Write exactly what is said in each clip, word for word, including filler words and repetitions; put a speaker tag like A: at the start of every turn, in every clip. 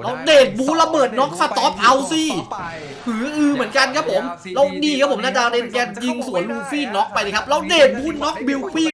A: เราเดดบูระเบิดน็อกสต็อปเอาสิหืออือเหมือนกันครับผมเราดีครับผมนาดาวเดนแกนยิงสวนลูฟี่น็อกไปเลยครับเราเดดบูน็อกบิลฟี่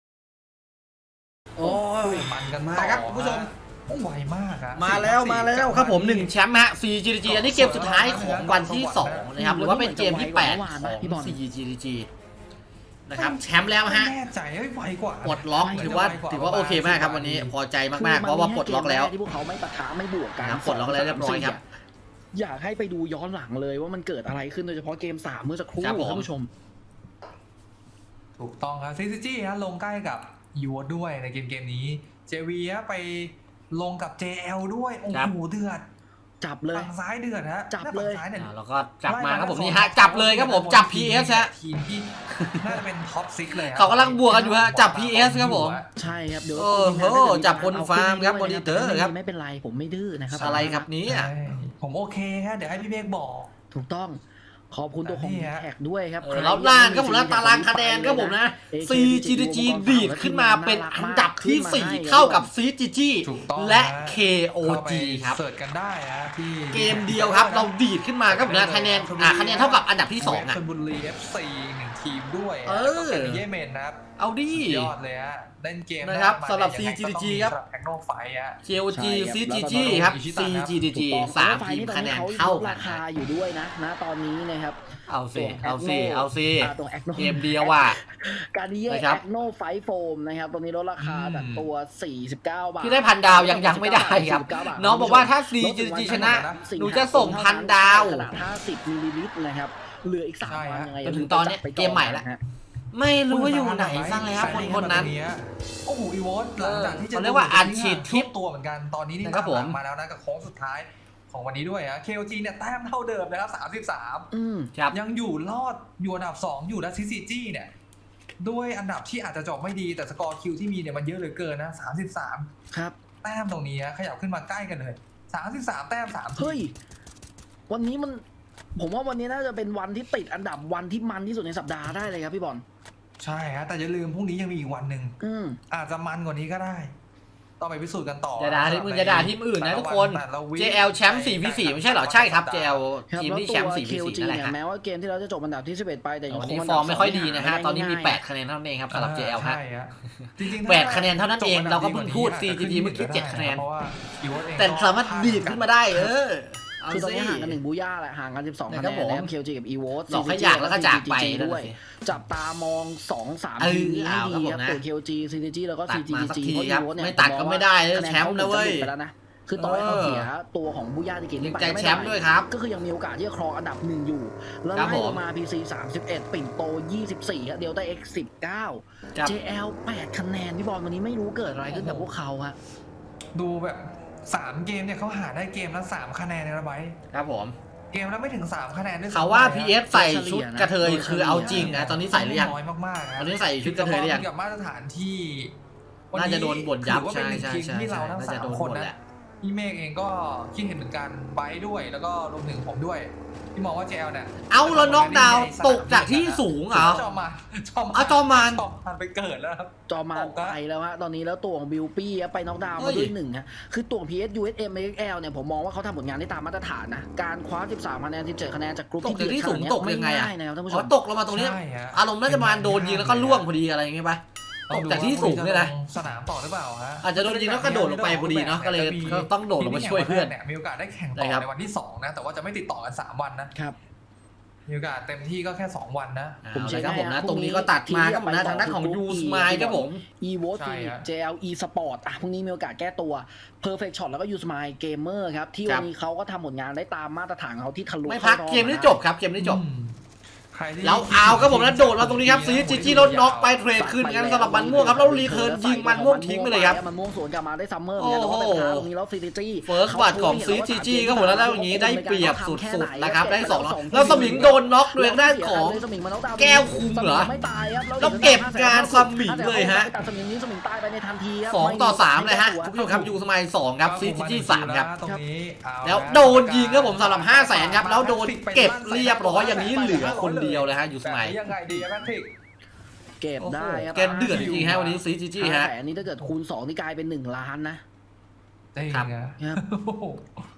A: โอ้ยมันกันมากครับคุณผู้ชม
B: ไวมากอะ
A: มาแล้วมาแล้วครับผมหนึ่งแชมป์ฮะ ซี จี ดี จี อันนี้เกมสุดท้ายของวันที่สองนะครับหรือว่าเป็นเกมที่แปดของ ซี จี ดี จี นะครับแชมป์แล้วฮะ
B: แน่ใจไวกว่า
A: ปลดล็อกถือว่าถือว่าโอเคมากครับวันนี้พอใจมากๆเพราะว่าปลดล็อกแล้ว
C: ที่พวกเขาไม่ปะทะไม่บวกกัน
A: ปลดล็อกแล้วเรียบร้อยครับ
C: อยากให้ไปดูย้อนหลังเลยว่ามันเกิดอะไรขึ้นโดยเฉพาะเกมสามเมื่อสักครู่ท่านผู้ชม
B: ถูกต้องครับ ซี ซี จี ฮะลงใกล้กับยูด้วยในเกมเกมนี้ เจ วี ฮะไปลงกับ เจ แอล ด้วยโอ้โหเดือด
C: จับเลย
B: ฝั่งซ้ายเดือดฮะ
C: จับเลย
A: แล้วก็จับมาครับผมนี่ฮะจับเลยครับผมจับ พี เอส ฮะ
B: ทีมที่น่าจะเป็นท็อปซิกเลย
A: เขากำลังบวกกันอยู่ฮะจับ พี เอส ครับผม
C: ใช่ครับเดี๋ยว
A: โอ้โหจับคนฟาร์มครับมอนิเตอร์ครับ
C: ไม่เป็นไรผมไม่ดื้อนะครับ
A: อะไรครับนี้
B: ผมโอเคฮะเดี๋ยวให้พี่เมฆบอก
C: ถูกต้องขอบคุณตัวของแท็กด้วยครับ
A: แล้วล่างก็ผมนะตารางคะแนนก็ผมนะ ซี จี ดี จี ดีดขึ้นมาเป็นอันดับที่สี่เท่ากับ ซี จี จี และ เค โอ จี ครับ
B: เสิร์ชกันได้ฮะที่
A: เกมเดียวครับเราดีดขึ้นมาก็ผมนะคะแนนอ่าคะแนนเท่ากับอันดับที่สองอ่ะ
B: ชลบุรี เอฟ ซี หนึ่งทีมด้วย
A: เออ
B: เยเมนนะครับ
A: เอาดิ
B: ยอดเลยฮะเล่นเกม
A: นะครับสำหรับ ซี จี ดี จี ครับ
B: แท็กโนไฟฮะ
A: เค โอ จี ซี จี จี ครับ ซี จี ดี จี สามทีมคะแนนเท่ากัน
C: ราคาอยู่ด้วยนะณตอนนี้นะครับ
A: เอาสิเอาสิเอาสิเกมเดียวว่ะ
C: การนี้แอคโนไฟโฟมนะครับตรงนี้ลดราคาจากตัวสี่สิบเก้าบาท
A: ที่ได้พันดาวยังยังไม่ได้ครับน้องบอกว่าถ้า ซี จี ดี จี ชนะหนูจะส่งพันดาว
C: ขนาดห้าสิบมิลลิลิตรนะครับเหลืออีกสามวันยังไง
A: จนถึงตอนนี้เกมใหม่แล้วไม่รู้ว่าอยู่ไหนซะแล้วคนคนนั้น
B: โอ้โหอีวอสหลังจากที่จะ
A: เรียกว่าอัดฉีดทิป
B: ตัวเหมือนกันตอนนี้นี่
A: ครับผม
B: มาแล้วนะกับโค้งสุดท้ายของวันนี้ด้วยฮะ เค โอ จี เนี่ยแต้มเท่าเดิมนะครับสามสิบสาม
A: อืม
B: ยังอยู่รอดอยู่อันดับสองอยู่นะ ซี ซี จี เนี่ยด้วยอันดับที่อาจจะจบไม่ดีแต่สกอร์คิวที่มีเนี่ยมันเยอะเหลือเกินนะสามสิบสาม
C: ครับ
B: แต้มตรงนี้ขยับขึ้นมาใกล้กันเลยสามสิบสามแต้มสาม
C: เฮ้ยวันนี้มันผมว่าวันนี้น่าจะเป็นวันที่ติดอันดับวันที่มันที่สุดในสัปดาห์ได้เลยครับพี่บอล
B: ใช่ฮะแต่อย่าลืมพรุ่งนี้ยังมีอีกวันหนึ่งอาจจะมันกว่านี้ก็ได้ต้องไปพิสูจน์กันต่อ
A: อย่าด่าที่มึงอย่าด่าทีมอื่นนะทุกคน เจ แอล แชมป์ สี่ วี สี่ ไม่ใช่เหรอใช่ครับ เจ แอล ทีมที่แชมป์ สี่ วี สี่ นั่นแหละครับ
C: แม้ว่าเกมที่เราจะจบอันดับที่สิบเอ็ดไปแต่ยังคง
A: ฟอร์มไม่ค่อยดีนะฮะตอนนี้มีแปดคะแนนเท่านั้นเองครับสำหรับ เจ แอล ฮะแปดคะแนนเท่านั้นเองเราก็เพิ่งพูด ซี จี จี เมื่อกี้เจ็ดคะแนนแต่สามารถดีดขึ้นมาได้เออ
C: คือตอนนี้ห่างกันหนึ่งบูย่าแหละห่างกันสิบสองคะแนนแล้ว เค โอ จี กับ อี โว ที
A: สองขยักแล้วก็จากไป
C: ด้วยจับตามอง สอง สาม ทีมนี้ให้ดีครับตัว เค โอ จี ซี จี จี แล้วก็ ซี จี ดี จี เพราะ อี โว เนี่ย
A: ไม่ตัดก็ไม่ได้แชมป์นะเว้ย
C: ไปแล้วนะคือต่อให้เขาเสียตัวของบูย่าที่เกม
A: ไปแชมป์ด้วยครับ
C: ก็คือยังมีโอกาสที่จะครองอันดับหนึ่งอยู่แล้วไล่ลงมา พี ซี สามสิบเอ็ด ปิ่นโตยี่สิบสี่เดลต้า เอ็กซ์ สิบเก้า เจ แอล แปดคะแนนพี่บอลวันนี้ไม่รู้เกิดอะไรขึ้นกับพวกเขาฮะ
B: ดูแบบสามเกมเนี่ยเขาหาได้เกมละสามคะแนนในระบาย
A: ครับผม
B: เกมแล้วไม่ถึงสามคะแนนด้วย
A: เขาว่า พี เอฟ ใส่ชุดกระเทยคือเอาจริงนะตอนนี้ใส่หรือยัง
B: น้อยมากๆ
A: ตอนนี้ใส่ชุดกระเทยหรือยัง
B: กับมาตรฐานที่
A: น่าจะโดนบ่นยับใช่ใช่ใช่
B: ที่เราทั้งสามคนนะพี่เมฆเองก็คิดเห็นเหมือนกันไบท์ด้วยแล้วก็รวมถึงผมด้วยที่มองว่า เจ แอล เนี่ย
A: เอาแล้วน็อกดาวน์ตกจากที่สูงเหรอ
B: จอมาน
A: จอมานจอมาน
B: ไปเกิดแล้วครับ
C: จอมานไปแล้วฮะตอนนี้แล้วตัวของบิลปี้ไปน็อกดาวน์มาด้วยหนึ่งฮะคือตัว พี เอส ยู เอส เอ็ม เอ็กซ์ แอล เนี่ยผมมองว่าเขาทำผลงานได้ตามมาตรฐานนะการคว้าสิบสามคะแนนสิบเจ็ดคะแนนจากกลุ่มที่
A: ที่สูงตกยังไงอ่ะ
C: ท่านผู้ชม
A: ตกลงมาตรงนี้อารมณ์น่าจะมาโดนยิงแล้วก็ล่วงพอดีอะไรอย่างเงี้ยป่ะตกจากที่สูงเนี่ยนะ
B: สนามต่อหรือเปล่าฮะ
A: อาจจะโดนยิงแล้วกระโดดลงไปพอดีเนาะก็เลยต้องโดดลงมาช่วยเพื่อน
B: เนี่ยมีโอกาสได้แข่งต่อในวันที่สองนะแต่ว่าจะไม่ติดต่อกันสามวันนะครับมีโอกาสเต็มที่ก็แค่สองวันนะ
A: ผมใช่ครับผมนะตรงนี้ก็ตัดมาครับผมนะทางด้านของยูสมายครับผม
C: อี โว ที เจ แอล อี Sport อ่ะพรุ่งนี้มีโอกาสแก้ตัว Perfect Shot แล้วก็ยูสมายเกมเมอร์ครับที่วันนี้เขาก็ทำผลงานได้ตามมาตรฐานเขาที่ทะลุ
A: ไม่พักเกมนี้จบครับเกมนี้จบแล้วเอาครับผมแล้วโดดมาตรงนี้ครับซีจีจีรถน็อกไปเทรดขึ้นกันสำหรับมันม่วงครับแล้วรีเทิร์นยิงมันม่วงทิ้งไปเลยครับ
C: มันม่วงสวนกลับมาได้ซัมเมอร์เนี่ยแต่ว่าเป็นทางตรงนี้แล้วซีจีจี
A: เฟิร์สบัตของซีจีจีก็หมดแล้วอย่างนี้ได้เปรียบสุดๆนะครับได้สองแล้วสมิงโดนน็อกด้วยด้านของแก้วคุมเหรอแล้วเก็บงานสมิงเลยฮะ
C: สมิงนี้สมิงตายไปในทันทีครับ
A: สองต่อสามเลยฮะคุณผู้ชมครับยูสมัยสองครับซีจีจีสามครับแล้วโดนยิงครับผมสำหรับห้าแสนครับแล้วโดนเก็บเรียบร้อยอย่างนี้เหลือคนเดียวเลยฮะยูสมัย
B: ยังไงดีแพทริก
C: เก็บได้ครับ
A: แกเดือดจริงๆฮะวันนี้ซีจีจีฮะ
C: แต่อันนี้ถ้าเกิดคูณสองนี่กลายเป็นหนึ่งล้านนะ
B: ครับ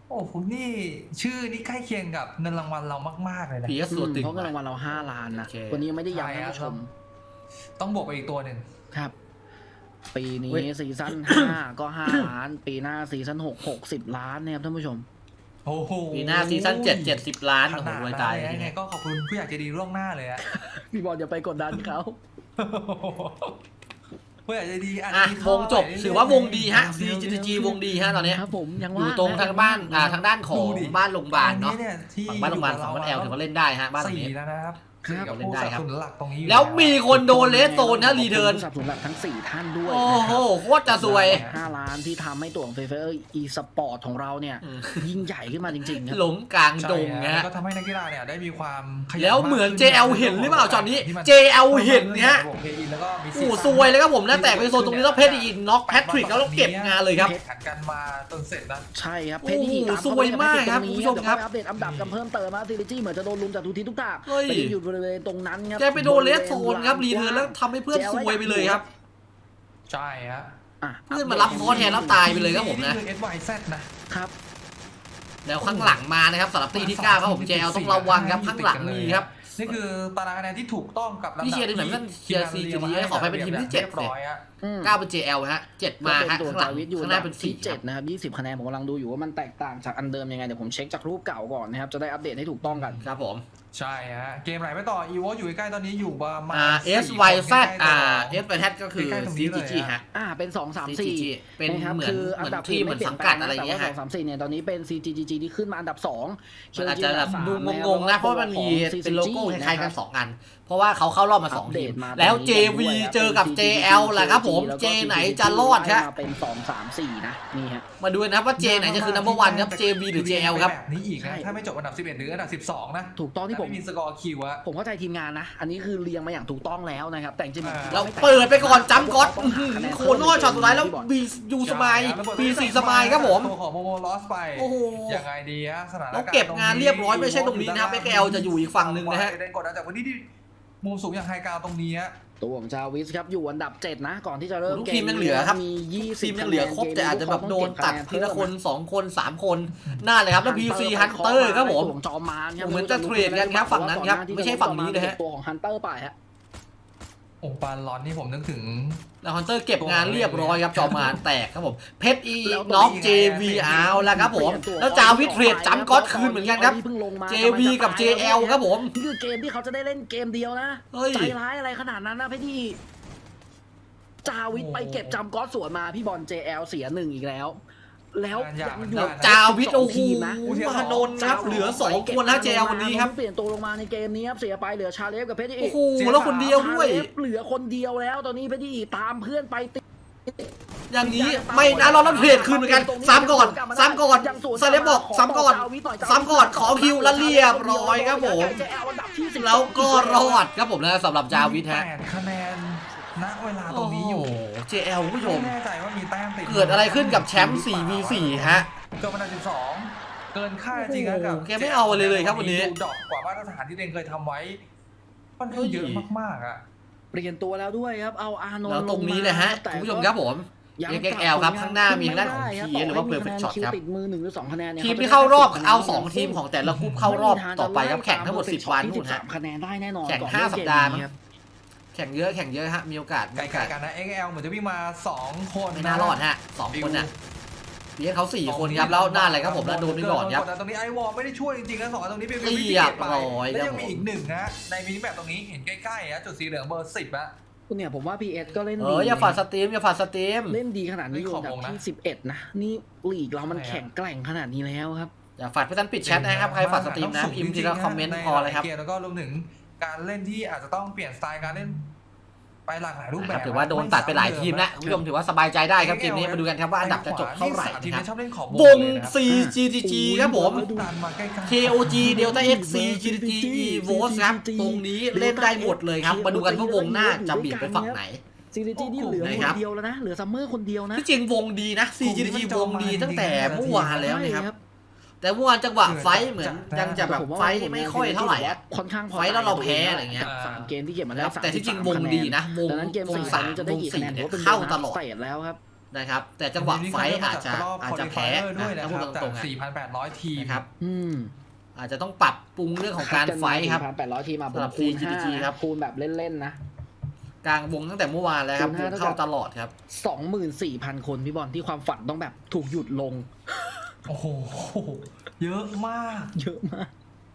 B: โอ้คุณนี่ชื่อนี่ใกล้เคียงกับเงินรางวัลเรามากๆเลยนะ
A: พี เอส ตัวตึง
C: เพราะเงินรางวัลเราห้าล้านนะวันนี้ไม่ได้ย้ำท่านผู้ชม
B: ต้องบวกไปอีกตัวหนึ่ง
C: ครับ ปีนี้
A: เว้ย
C: ซีซั่นห้าก็ห้าล้าน ปีหน้าซีซั่นหกหกสิบล้านเนี่ยครับท่านผู้ชม
B: โอ้โห
A: ปีหน้าซีซั่นเจ็ดเจ็ดสิบล้าน
B: ข
A: โอ้โห
B: นาด
A: รวย
B: นั้น
A: ตาย
B: เลยยังไงก็ขอบคุณผู้ใหญ่ใจดีล่วงหน้าเลยอะ
C: พี่บอลอย่าไปกดดันเขา
B: ผู้ใหญ่ใจดีอัน
A: อ่ะ
B: นี้
A: วงจบถือว่าวงดีฮะ ซี จี จี วงดีฮะตอนเนี้ย
C: ครับผมยัง
A: อ
C: ว่า
A: ยู่ตรงทางบ้านอ่าทางด้านของบ้านโรงพยาบาลเนาะ
B: อัยที่
A: ฝั่งบ้านโรงพยาบาลสองบ้านแอลถือว่าเล่นได้ฮะบ้านหลัง
B: สี่
A: นี้
B: แล้วนะครับ
C: ครับ
B: กับ
A: เล่น
B: ผู้
A: ได้
B: สนับ
A: ครับ
B: สนุนหลักตรงนี้อยู่
A: แล้วมีคนโดนเลสโซนนะรีเทิร์น
C: สนับสนุนหลักทั้งสี่ท่านด้วย
A: โอ้
C: นะค
A: โห
C: รับ
A: โคตรจะซวย
C: ห้าล้านที่ทำให้ตัวของเฟเฟอร์อีสปอร์ตของเราเนี่ย
A: อืม
C: ยิ่งใหญ่ขึ้นมาจริงๆครับ
A: หลงกลางดง
B: ใช่
A: นะ
B: ฮะ
A: ฮะ
B: ก็ทำให้นักกีฬาเนี่ยได้มีความขยัน
A: แล้วเหมือน
B: ากขึ้
A: เจ แอล เห็นหรือเปล่าจอนนี้
B: ที่มั
A: เจ แอล เห็นเนี่ย
B: บวกเพย์อินแล้วก็มี
A: โอ้โหซวยเลยครับผมนะแตกไปโซนตรงนี้แล้วเพชรอีกน็อกแพทริกแล้วเราเก็บงานเลยครับ
B: แข่งกันมาจนเสร็จนะ
C: ใช่ครับ
A: โอ้
C: เพชร
A: โห
C: ที่ตาม
A: สวยมากครับ
C: ตงนี้
A: คุณผู้ชมครับ
C: เดี๋ยวเข้าไปอัปเดตอันดับกันเพิ่มเติมมาซีรีจี้เหมือนจะโดนลุมจากทุกทิศทุกทาง
A: เฮ้ย
C: ไปอยู่บริเวณตรงนั้นครับ
A: แกไปโดนเลสโซนครับรีเทิร์นแล้วทำให้เพื่อนซวยไปเลยครับ
B: ใช่ฮะ
C: อ่ะ
A: เพื่อนมารับคอแทนแล้วตายไปเลยครับผมนะ
B: นี่คือ เอส วาย แซด นะ
C: ครับ
A: แล้วข้างหลังมานะครับสำหรับตีที่เก้าครับผม เจ แอล ต้องระวังครับข้างหลังมีครับ
B: นี่คือตารางคะแนนที่ถูกต้องกับลำดับ
A: พี่เชียร์ทีมไหนบ้างเชียร์ซี จี ดี ขอไปเป็นทีมที่เจ็ด
B: รียบร้อยฮะ
C: อืม
A: เก้าเป็น เจ แอล ฮะเจ็ดมาฮะ
C: ก็เป็นตัว
A: ข้างหลัง
C: จาวิทอยู่
A: ข้างหน้าเป็น
C: ที่
A: สี่
C: เจ็ดนะครับยี่สิบคะแนนผมกำลังดูอยู่ว่ามันแตกต่างจากอันเดิมยังไงเดี๋ยวผมเช็คจากรูปเก่าก่อนนะครับจะได้อัปเดตให้ถูกต้องกัน
A: ครับผม
B: ใช่ฮะเกมไหนไปต่ออีโวอยู่ใกล้ๆตอนนี้อยู่ประมาณ
A: อ่า เอส
B: สี่
A: วาย
B: คน
A: แซด
B: ใกล้ๆ
A: อ่า
B: ต่
A: เอส วาย แซด ก็คือ
B: ใกล้ๆตรง
A: ซี
B: นี้เลย
A: จี
B: อะ
A: ฮะ
C: อ่าเป็นสองสาม
A: ซี
C: สี่
A: จีเป็น
C: นะครับ
A: เหมือน
C: คือ
A: เห
C: อั
A: มื
C: น
A: อน
C: ดับ
A: ที่เหมือนสังกัดอะไรอย่างเงี้ย
C: แต่
A: ฮะ
C: ว่าสองสามสี่เนี่ยตอนนี้เป็น ซี จี จี จี ที่ขึ้นมาอันดับสอง
A: มันอาจจะแบบ
C: สาม
A: ดู
C: นะครับ
A: งงๆนะเพราะมันมี
C: ของ
A: เป็นโลโก้
C: ซี
A: คล้ายๆกัน
C: นะครับ
A: สองอัน เพราะว่าเขาเข้ารอบมาสองทีม
C: อัปเดตมา
A: แล้ว
C: ตรงนี้
A: เจ วี
C: ด้วยครับ
A: เจอกับ
C: เป็น
A: เจ แอล แหละครับผม
C: แล้วก็
A: เจไหนจะรอดฮะ
C: มาเป็นสองสามสี่นะนี่ฮะ
A: มาดูนะครับว่าเจไหนจะคือ นัมเบอร์วัน ครับ เจ วี หรือ เจ แอล ครับ
B: แบบนี้อีก
C: ใช่
B: นะถ้าไม่จบอันดับสิบเอ็ดหรืออันดับสิบสองนะ
C: ถูกต้องที่ผม
B: ไม่มีสกอร์คิวอะ
C: ผมเข้าใจทีมงานนะ อันนี้คือเรียงมาอย่างถูกต้องแล้วนะครับ แต่จริงๆ
B: อ่า
A: เราเปิดไปก่อนจัมป์ก๊อตอื้อหือโคโน่ช็อตสุดท้ายแล้วบียูสมายบีสี่สมายครับผม
B: ตัวของโมโมลอสไป
A: โอ้โห
B: ยังไงดีฮะสถานการณ์
A: เราเก็บงานเรียบร้อยไม่ใช่ตรงนี้นะครับ เอ็กซ์ แอล จะอยู่อีกฝั่งหนึ่งนะฮะ
B: เดนกดดันจากวันนี้ที่มุมสูงอย่างไฮกราวตรงนี้ฮะ
C: ตัวของจาวิสครับอยู่อันดับเจ็ดนะ ก่อนที่จะเริ่ม
A: ทุก
C: เก
A: ทีมยังเหลือครับ
C: มียี่สิบ
A: ทีมยังเหลือครบแต่อาจจะแบบโดนตัดทีละคนสองคนสามคนน่าเลยครับแล้ว พี ซี Hunter ครับผม
C: ตัวของจอมมานครับ
A: เหมือนจะเทรดกันครับฝั่งนั้นครับไม่ใช่ฝั่งนี้นะฮะ
C: ตัวของฮันเตอร์ไปฮะ
B: โอ้ปานร้อนนี่ผมนึกถึง
A: แล้วฮันเตอร์เก็บงานเรียบร้อยครับจอมานแตกครับผมเพชรอี
B: แล้ว
A: น็อก
B: ตัวนี้
A: เจ วี
B: ไง
A: เอาแล้วครับผมแล้วจาวิทเทรดจัมป์ก๊อตคืนเหมือนกันครับ
C: เพิ่งลงมา
A: เจ วี กับ เจ แอล ครับผม
C: นี่คือเกมที่เขาจะได้เล่นเกมเดียวนะ
A: เฮ้ย
C: ใจร้ายอะไรขนาดนั้นนะพี่ที่จาวิทไปเก็บจำก๊อตสวนมาพี่บอล เจ แอล เสียหนึ่งอีกแล้ว แล้วยังอยู่
A: แล้วจาวิทโอ้โห
C: ทีมนะ
A: มานนท์ครับเหลือสองคนนะเจ แอล วันนี้ครับ
C: เปลี่ยนตัวลงมาในเกมนี้ครับเสียไปเหลือชาเลฟกับเพชรอี
A: โอ้โหแล้วคนเดียวด้วย
C: ชาเลฟเหลือคนเดียวแล้วตอนนี้เพชรอีตามเพื่อนไปติด
A: อย่างนี้ไม่นะเราต้องเทรดคืนเหมือนกันซ้ำก่อนซ้ำก่อนซาเลบบอกซ้ำก่อนซ้ำก่อนขอคิวแล้วเรียบร้อยครับผม แล้วก็รอดครับผมนะสำหรับจาวิทฮะ
B: แปดคะแนนณเวลาตร
A: โอ้
B: ง
A: โห
B: นี้อยู่
A: เจ แอล คุณผู้ชม
B: ไม่แน่ใจว่ามีแต้มติด
A: เกิดอะไรขึ้นกับแชมป์ สี่ วี สี่ ฮะ
B: เกิดอันดับสิบสองเกินค่าจริงนะกับ
A: โอ้โหแกไม่เอาเลยเลยครับวันนี้
B: ดูดอกกว่ามาตรฐานที่ตัวเองเคยทำไว้ค่อนข้างเยอะมากๆอ่ะ
C: เปลี่ยนตัวแล้วด้วยครับเอาอานนท์
A: แล้วตรงนี้เลยฮะ
C: แต่
A: คุณผู้ชมครับผม
C: ยัง
A: เอ็กซ์ แอล ครับข้างหน้ามีทางด้านของ ที หรือว่า Perfect Shot ครับ
C: ติดมือหนึ่งหรือสองคะแนนเนี่ย
A: ทีมที่เข้ารอบเอาสองทีมของแต่ละกรุ๊ปเข้ารอบต่อไปครับแข่งทั้งหมดสิบวันนู่นฮะ
C: คะแนนได้แน่นอน
A: แข่ง
C: ก่อน
A: ห้า
C: เริ่ม
A: สัป
C: เกม
A: ดาห์
C: นี้
A: มั้ง
C: ครับ
A: แข่งเยอะแข่งเยอะฮะมีโอกาสมี
B: ไก
A: โอกา
B: ล
A: ส
B: ๆกันนะ เอ็กซ์ แอล เหมือนจะวิ่งมาสองคน
A: ไม่น่ารอดฮะสองคนน่ะเลี้ยงเขาสี่คนครับแล้วหน้าอะไรครับผมแล้วโดนไปก่อนครับ
B: ตรงนี้ไอวอลไม่ได้ช่วยจริงๆนะสองอันตรงนี้เป็นวิ
A: เรี
B: ธี
A: ยบ
B: เก็บไป
A: ร้อย
B: แล้ว
A: ครั
B: ยั
A: บ
B: งมีอีกหนึ่งนะในมินิแมปตรงนี้เห็นใกล้ๆนะจุดสีเหลืองเบอร์สิบอะ
C: คุณเนี่ยผมว่า พี เอส ก็เล่น
A: เอ
C: ดี
A: ออย่าฝาดสตรีมอย่าฝาดสตรีม
C: เล่นดีขนาดนี้อยู่
B: ขอ
C: อันดับ
B: วงนะ
C: ที่สิบเอ็ดนะนี่ลีกเรามันแข่งแกร่งขนาดนี้แล้วครับ
A: อย่าฝาดเพื่อนปิดแชทนะครับใครฝาดสตรีมนะพิมพ์ทีละคอมเมนต์พอเลยครับ
B: ในหาเกมแล้วก็รวมถึงการเล่นที่อาจจะต้องเปลี่ยนสไตล์การเล่นไปหลากหลายรูปแบบ
A: ถือว่าโดนตัดไปหลายทีมแล้วคุณผู้ชมถือว่าสบายใจได้ครับเกมนี้มาดูกันครับว่าอันดับจะจบเท่าไหร่
B: ทีม
A: นะ
B: นี้ชอบเล่นขอบ
A: วง
B: เลยนะครับ
A: ซี จี ที จี ครับผม
B: ดันมาใกล้ๆ
A: เค โอ จี Delta X C จี ที จี อี โวลต์ ครับ ตรงนี้เล่นได้หมดเลยครับ มาดูกันว่าวงหน้าจะเบี่ยงไปฝั่งไหน
C: ซีรีจีนี่เหลือ
A: ไหน
C: ค
A: ครั
C: น
A: บ
C: เดียวแล้วนะเหลือซัมเมอร์คนเดียวนะ
A: ที่จริงวงดีนะ ซี จี ที จี วงดีตั้งแต่เมื่อวานแล้วนะครับ
C: ใช่
A: แต่เมื่อวานจังหวะไฟท์เหมือนยังจะแบบไฟท์ไม่ค่อยเท่าไหร่อะ
C: ค่อนข้างพอ
A: ไฟท์แล้วเราแพ้อะไรเงี้ย
C: สามเกมที่เก็บมาได้
A: แต่ที่จริงวงดีนะวง
C: ดังนั้นเกม
A: วง
C: สี่
A: สาม
C: นี้จะได้
A: วง
C: กี่คะ
A: สี่
C: แนน
A: เนี่ย
C: ถือว่าเป็น
A: เข้าตลอด
C: เตะแล้วครับ
A: นะครับแต่จังหวะไฟท์อาจจะอาจจะแพ้
B: ด้วย
A: นะ
B: นะ
A: ถ้า
B: ค
A: พู
B: รั
A: ด
B: บ
A: ตรงๆ
B: จาก สี่พันแปดร้อย ทีม
A: นะครับ
C: อืม
A: อาจจะต้องปรับปรุงเรื่องของการไฟท์ครับ
C: แปดร้อยทีมา
A: สำหรับ
C: คูณ
A: ซี จี ดี จี
C: ห้า
A: ครับ
C: คูณแบบเล่นๆนะ
A: กลางวงตั้งแต่เมื่อวานแล้วครับ
C: คูณห้า
A: เข้าตลอดครับ
C: สองหมื่นสี่พันคนพี่บอลที่ความฝันต้องแบบถูกหยุดลง
B: โอ้โหเยอะมาก
C: เยอะมาก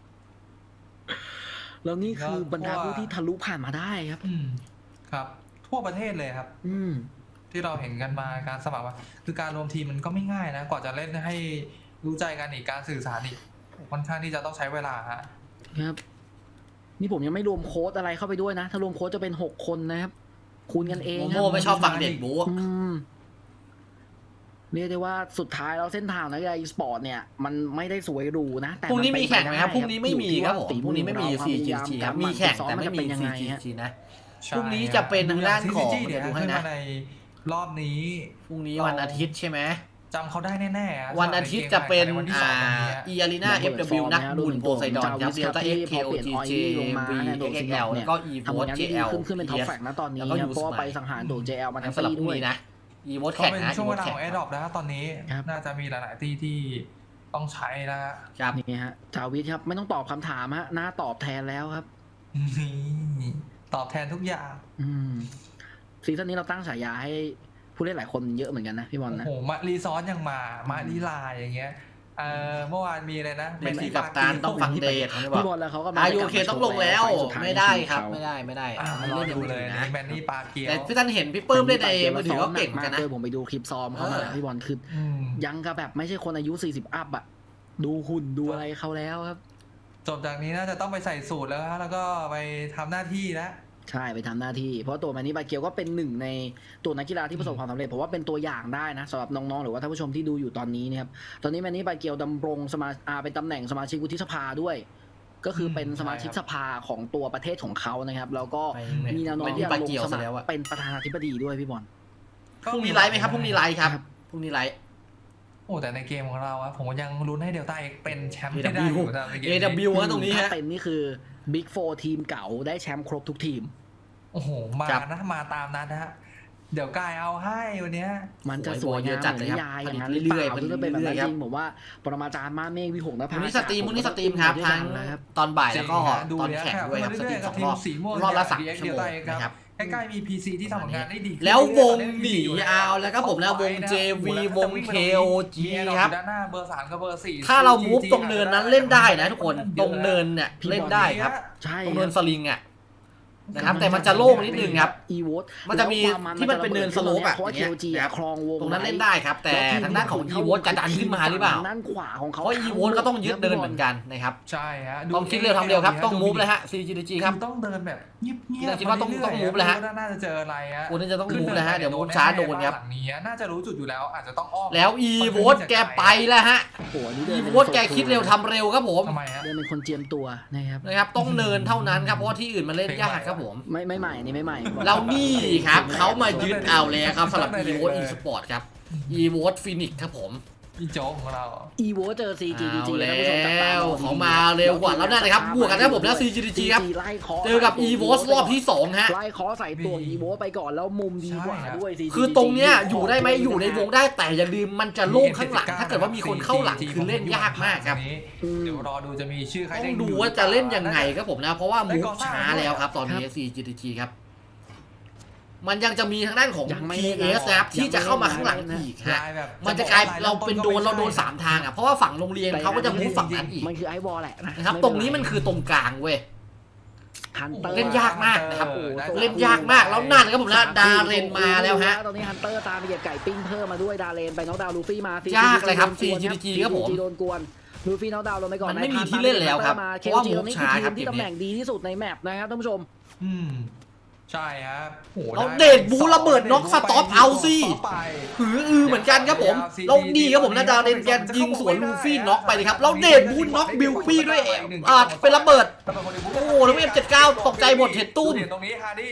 C: แล้วนี่คือบรรดาผู้ที่ทะลุผ่านมาได้ครับ
B: อืมครับ ทั่วประเทศเลยครับ
C: อืม
B: ที่เราเห็นกันมาการสมัครมาคือการรวมทีมมันก็ไม่ง่ายนะกว่าจะเล่นให้รู้ใจกันอีกการสื่อสารอีกค่อนข้างที่จะต้องใช้เวลาฮะ
C: ครับ นี่ผมยังไม่รวมโค้ดอะไรเข้าไปด้วยนะ ถ้ารวมโค้ดจะเป็นหกคนนะครับ คูณกันเอง
A: โม
C: ครั
A: โม่ไม่ชอบฟังเด็กบู
C: อืมเรียกได้ว่าสุดท้ายแล้วเส้นทางนักกีฬาอีสปอร์ตเนี่ย มันไม่ได้สวยหรูนะแต่
A: พรุ่งนี้มีแข่งไหมครับ
C: น
A: พรุ่งนี้ไม่มีครับผม
C: อยู่ที่ว่า
A: พรุ่งนี้ไม่มี
C: ฝี
A: ซี
C: อ
A: จี
C: เรา
A: จีครับ
C: วา
A: มีแข่ง
C: ซ้อ
A: แต่ไม่มี
C: นจะเป็นยัง
A: ซี
C: ไง
A: จี
C: ฮะ
A: จีนะ
B: ใช่
A: พรุ่งนี้จะเป็นทางด้านของ
B: ซี
A: เดี๋ยวดูให้นะ
B: ขึ้มาในรอบนี้
A: พรุ่งนี้วันอาทิตย์ใช่ไหม
B: จำเขาได้แน่ๆอะ
A: วันอาทิตย์จะเป็น
B: ในวันที่ส
A: อ่า
B: องวันนี้อะ
A: อีอารีนาเอฟดับเบิลยูนักบุญโพไซดอนครับเดลต้าเอ็กเคโอจีเจวีเอ็กเอลแล้วก็อีโว
C: ทำผล
A: ต
C: งาน
A: เจ
C: ที่
A: เอ
C: ดี
A: ล
C: ขึ้นขึ้นเป็นท็อปแฟกนะตอนนี้
A: แล้วก็
C: ครับ
A: ยู
C: เพราะว่า
A: ส
C: ไป
A: มัย
C: สังหารโด เจ แอล มาทั้ง
A: สำหรับ
C: ปี
A: พรุ่ง
C: ด้วย
A: นี้นะอีโวต
B: ก็
A: แข่ง
B: เป็น
A: นะ
B: ช่วงเวลา
A: แข่
B: ของแอร์ดรอปนะฮะตอนนี้
C: ครับ
B: น่าจะมีหลายๆที่ที่ต้องใช้แล้วฮะ
A: ครับ
C: นี่ฮะจาวิทครับไม่ต้องตอบคำถามฮะหน้าตอบแทนแล้วครับ
B: นี่ตอบแทนทุกอย่าง
C: อืมซีซั่นนี้เราตั้งฉายาให้ผู้เล่นหลายคนเยอะเหมือนกันนะพี่บอล
B: โอ้
C: นะ
B: โหมารีซอสยังมามาลีลาอย่างเงี้ยเออเมื่อวานมีอะไรนะ
A: เมสซี่กับตาลต้องฟังเดทเขาไม่บอ
C: พี่
A: ก
C: บอลแล้วเขาก็มา
A: อายุโอเคต้องลงแล้ว
C: ไฟสุท้าย
A: ไม่ได้ครับ
C: ในชีวิตเขา
A: ไม่ได้ไม่ได้
B: อ่า
A: อันนี้
B: รอ
A: เล่นยัง
B: ดู
A: ไม่
B: เล
A: ถึ
B: ย
A: ง
B: นะ
A: นะ
B: แมนนี่ปาเกียว
A: แต่พี่ท่านเห็นพี่ปื้มเล่นในมือถือก็เก่งกันนะ
C: เผมไปดูคลิปซ้อมเขามา
A: เออ
C: พี่บอลคือ
B: อืม
C: ยังกับแบบไม่ใช่คนอายุสี่สิบอัพอะดูหุ่นดูอะไรเขาแล้วครับ
B: จบจากนี้น่าจะต้องไปใส่สูตรแล้วฮะแล้วก็ไปทำหน้าที่แล้ว
C: ใช่ไปทำหน้าที่ เพราะตัวแมนนี่บาเกียวก็เป็นหนึ่งในตัวนักกีฬาที่ประสบความสำเร็จผมว่าเป็นตัวอย่างได้นะสำหรับน้องๆหรือว่าท่านผู้ชมที่ดูอยู่ตอนนี้นะครับตอนนี้แมนนี่บาเกียวดำรงสมาอาเป็นตำแหน่งสมาชิกวุฒิสภาด้วย ก็คือเป็นสมาชิกสภาของตัวประเทศของเขานะครับแล้วก็มีแนวโน้มที่จะลงสมัครเป็นประธานาธิบดีด้วยพี่บอล
A: พรุ่งนี้ไลฟ์ไหมครับพรุ่งนี้ไลฟ์ครับพรุ่งนี้ไลฟ์
B: โอ้แต่ในเกมของเราอะผมยังลุ้นให้เดลต้าเอ็กเป็นแชมป์
A: เอ
B: ให้ได้อยู่นะในเกม
A: เอ
B: นี้
A: ดับเบิลยู ฮะตรงนี้ฮะ
C: ถ้าเป็นนี่คือบิ๊กโฟร์ทีมเก่าได้แชมป์ครบทุกทีม
B: โอ้โหมา
A: ครับ
B: นะมาตามนั้นนะฮะเดี๋ยวกายเอาให้วันเนี้ย
C: มันจะสวย
A: โอ้ยเย
C: งา
A: อะ
C: ม
A: จัด
C: เหมื
A: เล
C: อย น
A: ครับ
C: นิยายอย่างนั้น
A: ผลิ
C: ห
A: ต
C: รือเปล่า
A: เรื่อยๆ
C: หรือเป็นแบบนั้น
A: เรื่อยๆครับ
C: จริงผมว่าปรมาจารย์มาเมฆวิหงนภา
A: วันนี้สตรีมวันนี้สตรีมครับ
C: ด้วย
A: ทั้
C: กั
A: ง
C: นนะครับ
A: ตอนบ่ายแล้วก็
B: จริงฮะดู
A: ตอน
B: เนี่ย
A: แข่งด้วยครับสตรีมสอง
B: ที
A: ร
B: ม
A: อบ
B: สีม่วง
A: รอบละสาม
B: จาก
A: ชั่วโมง
B: ดีเอ็กซ์
A: นะครับ
B: ใกล้ๆมี พี ซี ที่ทำผลงานได้ดีขึ้น
A: แล้ววง
B: เรื่อยๆ
A: หนี
B: ตอนนี้
A: เอาแล้วครับผมแล้ววง เจ วี วง เค โอ จี
B: มี
A: ครับ
B: ด้านหน้าเบอร์สามกับเบอร์สี่
A: ถ้าเรามูฟตรงเนินนั้นเล่นได้นะทุกคนตรงเนินเนี่ยเล่นได้ครับ
C: ใช่
A: ตรงเนินสลิงอ่ะนะครับแต่มันจะโล่งนิดนึงครับ
C: อีโวต
A: มันจะมีที่มันเป็นเนินสโลปอะ
C: เพราะว่า
A: อย่าง
C: เค
A: เงี้ย
C: โอจีครองวง
A: ตรงนั้นเล่นได้ครับ แต่ทางด้านของอีโวจะดันขึ้นมาหรือเปล่า
C: ด้านขวาของเขา
A: เพราะอีโวก็ต้องยึดเดินเหมือนกันนะครับ
B: ใช่ฮะ
A: ต้องคิดเร็วทำเร็วครับต้องมูฟเลยฮะ ซี จี ดี จี ครับ
B: ต้องเดินแบบเงียบๆ
A: พี่คิดว่าต้อง
B: ไปเรื่ยๆ
A: ต้อง move แล้วฮะ
B: ไม่รู้ว่าน่าจะเจออะไรฮะ
A: โอ้นี่จะต้องมูฟเลยฮะเดี๋ยวมูฟช้าโดนครับ
B: หลังนี้น่าจะรู้จุดอยู่แล้วอาจจะต้องอ้อม
A: แล้วอีโวแกไปแล้วฮะ
C: โอ้โหอันนี้เดิ
A: อี
C: น
A: โวแกคิดเร็วทำเร็วครับผม
B: ทำไมฮะ
C: เดินเป็นคนเจียมตัวนะครับ
A: นะครับต้องเนินเท่านั้นครับเพราะว่าที่อื่นมันเล่นยากครับผม
C: ไม่ไม่ใหม่อันนี่ไม่ใหม่
A: แล้วนี่ครับเขามายึดเอาแล้วครับสำหรับ อี โว อี สปอร์ต ครับ อี โว ฟินิกครับผม
B: พี่โจ๊กของเรา
C: อีโวเจอ ซี จี ดี จี
A: เอา
C: ท่านผู้ชมจับต
A: แล้ว
C: ดู
A: เขามาเร็วกว่าแล้วนั่นเลยครับบวกกันนะผมแล้ว ซี จี ดี จี ครับ
C: ไล่เคาะ
A: เจอกับ อี โว รอบที่สองฮะ
C: ไล่เคาะใส่ตัว
B: นี่
C: อีโวไปก่อนแล้วมุมดีกว่า
B: ใช่ครับ
C: ด้วย ซี จี
A: คือตรงเนี้ยอยู่ได้ไหมอยู่ในวงได้แต่อย่าลืมมันจะโล่งข้างหลัง ถ้าเกิดว่ามีคนเข้าหลังคือเล่นยากมากครับ
B: เดี๋ยวรอดูจะมีชื่อใคร
A: ต้องดูว่าจะเล่นยังไงครับผมนะ เพราะว่ามูฟช้าแล้วครับตอนนี้ ซี จี ดี จี ครับ มันยังจะมีทางด้านของ
C: ยังไม่
A: พี
C: เล่น
A: เอส นะครับที่จะเข้ามาข้างหลังอีกฮะ มันจะกลายเราเป็นโดนเราโดนสามทางอ่ะเพราะว่าฝั่งโรงเรียนเขาก็จะมูฟฝั่งนั้นอีก
C: มันคือไอวอลแหละนะ
A: นะครับตรงนี้มันคือตรงกลางเว้ย
C: ฮันเตอร์
A: เล่นยากมากนะครับ
B: โอ้โห
A: เล่นยากมากแล้วนั่นครับผมนะดาเรนมาแล้วฮะ
C: ตอนนี้ฮันเตอร์ตามไปเหยียบไก่ปิ้งเพิ่มมาด้วยดาเรนไปน็อกดาวน์ลูฟี่มาย
A: ากเลยครับ ซี จี ดี จี ครับผม
C: โดนกวนลูฟี่น็อกดาวน์ลงไปก่อน
A: มันไม่มีที่เล่นแล้วครับ
C: เค
A: เพราะว่า
C: จี
A: มู
C: ตร
A: ฟ
C: งนี้
A: ช้า
C: คือ
A: ค
C: ที
A: รับ
C: มที่ตำแหน่งดีที่สุดในแมปนะครับท่านผู้ชม
B: อืมใช่ฮะโอ้โห
A: เราเดทบูระเบิดน็อกสต็อปเอาสิ
B: ไป
A: หืออือเหมือนกันครับผมเราดีครับผมนะดาเรนแกยิงสวนลูฟี่น็อกไปเลยครับเราเดทบูน็อกบิลปี้ด้วยอ่าเป็นระเบิด โอ้โหแล้วเอฟเจ็ดสิบเก้าตกใจหมดเห็นตุ้ม
B: เห็นตรงนี้ฮาร์ดี้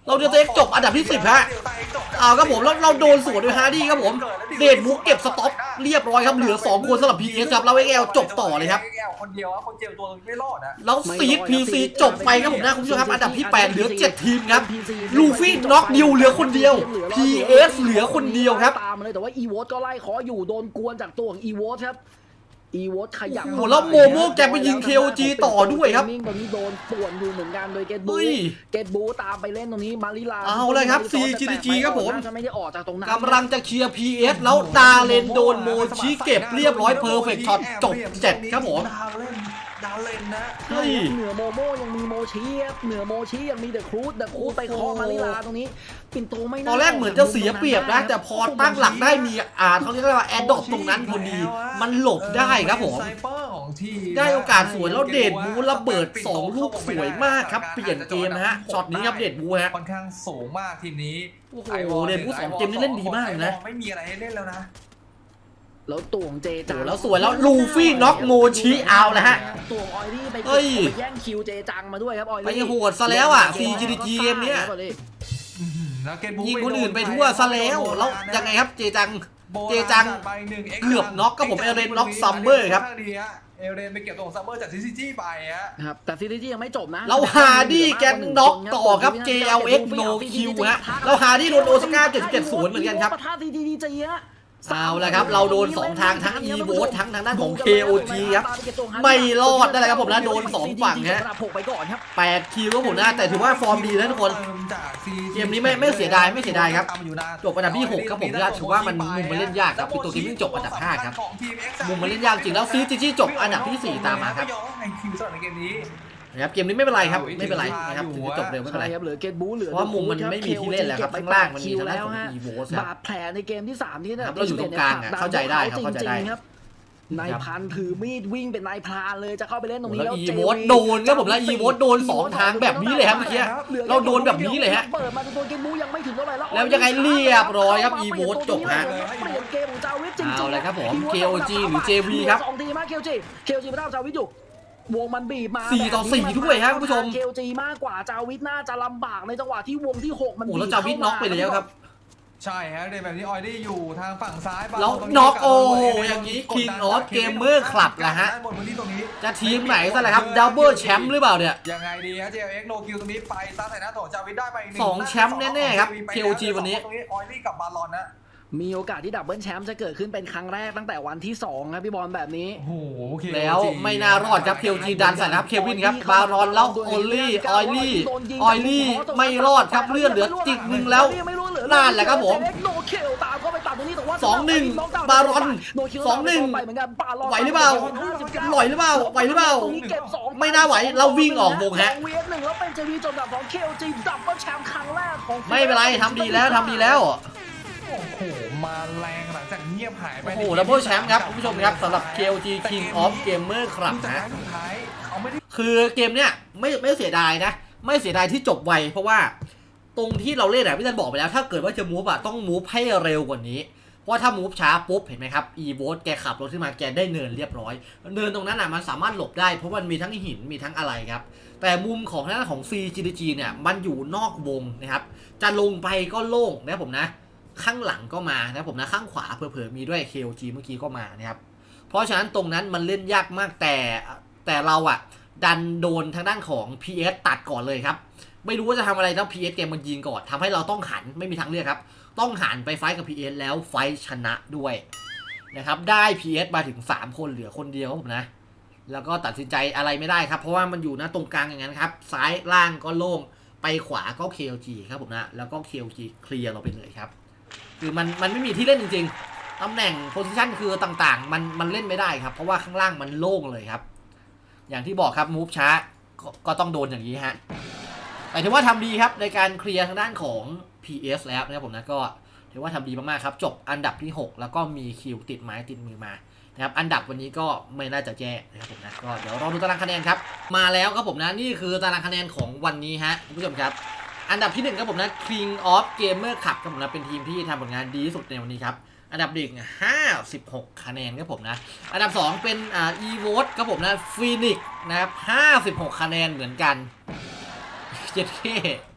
A: เราเดลต้าเอ็กซ์จบอันดับที่สิบฮะเอาครับผมแล้วเราโดนสวนด้วยฮาร์ดี้ครับผมเดดบุ๊กเก็บสต็อปเรียบร้อยครับเหลือสองคนสำหรับ พี เอส ครับแล้ว เอ็กซ์ แอล จบต่อเลยครับ
B: เอ็กซ์ แอล คนเดียวอะคนเจ็บตัวไม่รอดนะ
A: แล้วซีด พี ซี จบไปครับผมนะคุณผู้ชมครับอันดับที่แปดเหลือเจ็ดทีมครับลูฟี่น็อกนิวเหลือคนเดียว พี เอส เหลือคนเดียวครับ
C: ตามมาเลยแต่ว่าอีโวตก็ไล่ขออยู่โดนกวนจากตัวของอีโวตครับอีโวตขยับ
A: โอ้โหแล้วโมโม่แกไปยิง เค โอ จี ต่อด้วยครับ
C: ตรงนี้โดนป่วนอยู่เหมือนกันโดยเกตบู
A: เฮ้ย
C: เกตบูตามไปเล่นตรงนี้มาริลา
A: เอาเลยครับ ซี จี ดี จี ครับผม
C: น่าจะไม่ได้ออกจากตรงนั้น
A: กำลังจะเคลียร์ พี เอส แล้วดาเลนโดนโมชิเก็บเรียบร้อยเพอร์เฟกต์ช็อตจบเจ็ดครับผม
B: ดาวเล่นดาวเล่นนะ
A: เฮ้ย
C: เหนือโมโม่ยังมีโมชิครับเหนือโมชิยังมีเดอะครูดเดอะครูดไปเคอมาริลาตรงนี้ปิ่นโตไม่า
A: ตอนแรกเหมือนจะเสียเปรียบนะ แต่พอตั้งหลักได้มีอ่าเขาเรียกว่าแอดดอปตรงนั้นพอดี มันหลบได้ครับผม
B: ไซเปอร์ของทีม
A: ได้โอกาสสวยแล้วเดดบูระเบิดสองลูกสวยมากครับเปลี่ยนเกมนะฮะช็อตนี้ครับเดดบูฮะ
B: ค่อนข้างสูงมากทีมนี้
A: โอ้โห
B: ไวอล
A: เดดบูสองเกมนี้เล่นดีมากนะ
B: ไม่มีอะไรให้เล่นแล้วนะ
C: แล้วตัวของเจ
A: โอ้
C: จัง
A: โหแล้วสวยแล้วลูฟี่น็อกโมชิเอาแล้วฮะ
C: ตัวของออยลี่ไป
A: เฮ้ย
C: ไปแย่งคิวเจจังมาด้วยครับออยลี่
A: ไปโหดซะแล้วอ่ะ ซี จี ดี จี เกมเนี้ย
B: อื้อหือแล้วเกตบุ๊ก
A: ยิงคนอื่นไปทั่วซะแล้วแล้วยังไงครับเจจัง เจจังเกือบน็อกครับผมเอเรนน็อกซัมเมอร์ครับ
B: เอเรนไปเก็บตัวของซัมเมอร์จากซีซีจีไปฮะ
C: ครับแต่ซีรีส์ยังไม่จบนะ
A: แล้วฮาร์ดี้แกนน็อกต่อครับ เจ แอล เอ็กซ์ no kill ฮะแล้วฮาร์ดี้โดนโอซาก้าเจ็ดสิบเจ็ดศูนย์เหมือนกันครับ
C: ปะทะซีดีจีฮะ
A: เอาละครับเราโดนสองทางทั้ง อี โว ทั้งทางด้านของ เค โอ จี ครับไม่รอดได้เลยครับผมนะโดนสองฝั่งฮะ
C: ผกไปก่อนครับ
A: แปดคิวครับผมนะแต่ถือว่าฟอร์มดีนะทุกคน เกมนี้ไม่ไม่เสียดายไม่เสียดายครับจบอันดับที่หกครับผมถือว่ามันมุมมันเล่นยากครับคือตัวทีมที่จบอันดับห้าครับมุมมันเล่นยากจริงแล้วซีจีจีจบอันดับที่สี่ตามมาครับ
B: ไอคิวสำหรับในเกมนี้
A: นะครับเกมนี้ไม่เป็นไรครับไม่เป็นไรนะครับถึงจะจบเร็วไม่เป็นไร
C: ใช่ครับเหลือเกตบูเหลือ
A: เพราะว่ามุมมันไม่มีที่เล่นแล้วครับข้างล่างมันมีทางด้านของ อี โว ครับ
C: บาดแผลในเกมที่สามที่
A: ครับเราอยู่ตรงกลางอะเข้าใจได้ครับเข้าใจได้
C: จงๆครับนายพันถือมีดวิ่งเป็นนายพรานเลยจะเข้าไปเล่นตรงนี้
A: แล้ว
C: แล้ว
A: อี
C: เจ
A: โวตโดนครับผมแล้วอีโวตโดนสองทางแบบนี้เลยครับเมื่อกี้เราโดนแบบนี้เลยฮะ
C: เปิดมาตัวเกมบูยังไม่ถึงเท่าไหร่แล้ว
A: แล้วยังไงเรียบร้อยครับ อีโวตจบฮะ
C: เปลี่ยนเกมของจาวิทจริงๆ
A: เอาเลยครับผม เค โอ จี หรือ เจ วี ครับ
C: สองทีมาก เค โอ จี เค โอ จี ไม่ได้จาวิทอยู่วงมันบีบมา
A: สี่ต่อสี่ด้วยครับคุณผู้ชม
C: เค โอ จี มากกว่าจาวิทน่าจะลำบากในจังหวะที่วงที่หกมัน
A: โอ้แล้วจาวิทน็อกไปแล้วครับ
B: ใช่ฮะเดนแบบนี้ออยลี่อยู่ทางฝั่งซ้าย
A: แล้วน็อกโอ้อย่างนี้ King of Gamer Club ละฮะ
B: ด้านบนพื้นที่ตรงนี้
A: จะทีมไหนซะแหละครับดับเบิลแชมป์หรือเปล่าเนี่ย
B: ยังไงดีฮะ เจ เอ็กซ์ โนคิวตรงนี้ไปซัดใส่หน้าโถจาวิทได้ไปหนึ่ง
A: สองแชมป์แน่ๆครับ เค โอ จี วันนี้
B: ตรงนี้ออยลี่กับบาลอนนะ
C: มีโอกาสที่ดับเบิลแชมป์จะเกิดขึ้นเป็นครั้งแรกตั้งแต่วันที่สองครับพี่บอลแบบนี้
B: โอ้โห เค
A: แล้วไม่น่ารอดครับ เค โอ จี ดันใส่นะครับเควินครับบารอนแล้วโอลลี่ออยลี่ออยลี่ไม่รอดครับเลื่อนเหลือจิกหนึ่งแล้วนั่นแหละครับผม สองหนึ่งบารอนสองหนึ่งไหวหรือเปล่าไหวหรือเปล่าไหวหรือเปล่าไม่น่าไหวเราวิ่งออกวงฮะ
C: เวฟหนึ่งแล้วเป็นเจวีจบแบบของ เค โอ จี ดับเบิลแชมป์ครั้งแรกของ
A: ไม่เป็นไรทำดีแล้วทำดีแล้ว
B: โอ้โห มาแรงหลังจากเงียบหายไป
A: โอ้โหดับเบิลแชมป์ครับคุณผู้ชมครับสำหรับ เค โอ จี King of Gamer ครับ
B: สุดท้าย
A: นะ
B: สุดท้ายเขาไม่ได้
A: คือเกมเนี้ยไม่ไม่เสียดายนะ ไม่เสียดายที่จบไวเพราะว่าตรงที่เราเล่นอะพี่ตันบอกไปแล้วถ้าเกิดว่าจะมูฟอะต้องมูฟให้เร็วกว่านี้เพราะถ้ามูฟช้าปุ๊บเห็นไหมครับอีโวตแกขับรถขึ้นมาแกได้เนินเรียบร้อยเนินตรงนั้นอะมันสามารถหลบได้เพราะมันมีทั้งหินมีทั้งอะไรครับแต่มุมของทางด้านของ ซี จี ดี จี เนี่ยมันอยู่นอกวงนะครับจะลงไปก็โล่งนะผมนะข้างหลังก็มานะผมนะข้างขวาเผลอๆมีด้วย เค โอ จี เมื่อกี้ก็มานะครับเพราะฉะนั้นตรงนั้นมันเล่นยากมากแต่แต่เราอะดันโดนทางด้านของ พี เอส ตัดก่อนเลยครับไม่รู้ว่าจะทำอะไรแล้ว พี เอส เกมมันยิงก่อนทำให้เราต้องหันไม่มีทางเลือกครับต้องหันไปไฟท์กับ พี เอส แล้วไฟท์ชนะด้วยนะครับได้ พี เอส มาถึงสามคนเหลือคนเดียวครับผมนะแล้วก็ตัดสินใจอะไรไม่ได้ครับเพราะว่ามันอยู่นะตรงกลางอย่างนั้นครับซ้ายล่างก็โล่งไปขวาก็ เค โอ จี ครับผมนะแล้วก็ เค โอ จี เคลียร์เราไปเลยครับคือมันมันไม่มีที่เล่นจริงๆตำแหน่งโพซิชันคือต่างๆมันมันเล่นไม่ได้ครับเพราะว่าข้างล่างมันโล่งเลยครับอย่างที่บอกครับมูฟช้าก็ก็ต้องโดนอย่างนี้ฮะแต่ถือว่าทำดีครับในการเคลียร์ทางด้านของ พี เอส แล้วนะครับผมนะก็ถือว่าทำดีมากๆครับจบอันดับที่หกแล้วก็มีคิวติดไม้ติดมือมานะครับอันดับวันนี้ก็ไม่น่าจะแย่นะครับผมนะก็เดี๋ยวรอดูตารางคะแนนครับมาแล้วครับผมนะนี่คือตารางคะแนนของวันนี้ฮะคุณผู้ชมครับอันดับที่หนึ่งครับผมนะ King of Gamer Club ครับผมนะเป็นทีมที่ทำผลงานดีที่สุดในวันนี้ครับอันดับหนึ่งห้าสิบหกคะแนนครับผมนะอันดับสองเป็นอ่า e-vote ครับผมนะ Phoenix นะครับห้าสิบหกคะแนนเหมือนกันเจ็ดเค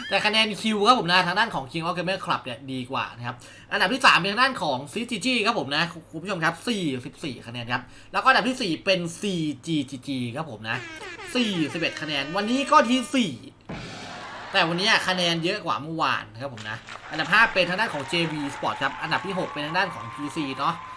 A: แต่คะแนนคิวครับผมนะทางด้านของ King of Gamer Club เนี่ยดีกว่านะครับอันดับที่สามเป็นทางด้านของ ซี จี จี ครับผมนะคุณผู้ชมครับสี่สิบสี่คะแนนครับแล้วก็อันดับที่สี่เป็น ซี จี จี จี ครับผมนะสี่สิบเอ็ดคะแนนวันนี้ก็ที่สี่แต่วันนี้คะแนนเยอะกว่าเมื่อวานนะครับผมนะอันดับห้าเป็นทางด้านของ เจ วี Sport ครับอันดับที่หกเป็นทางด้านของ พี ซี เนาะ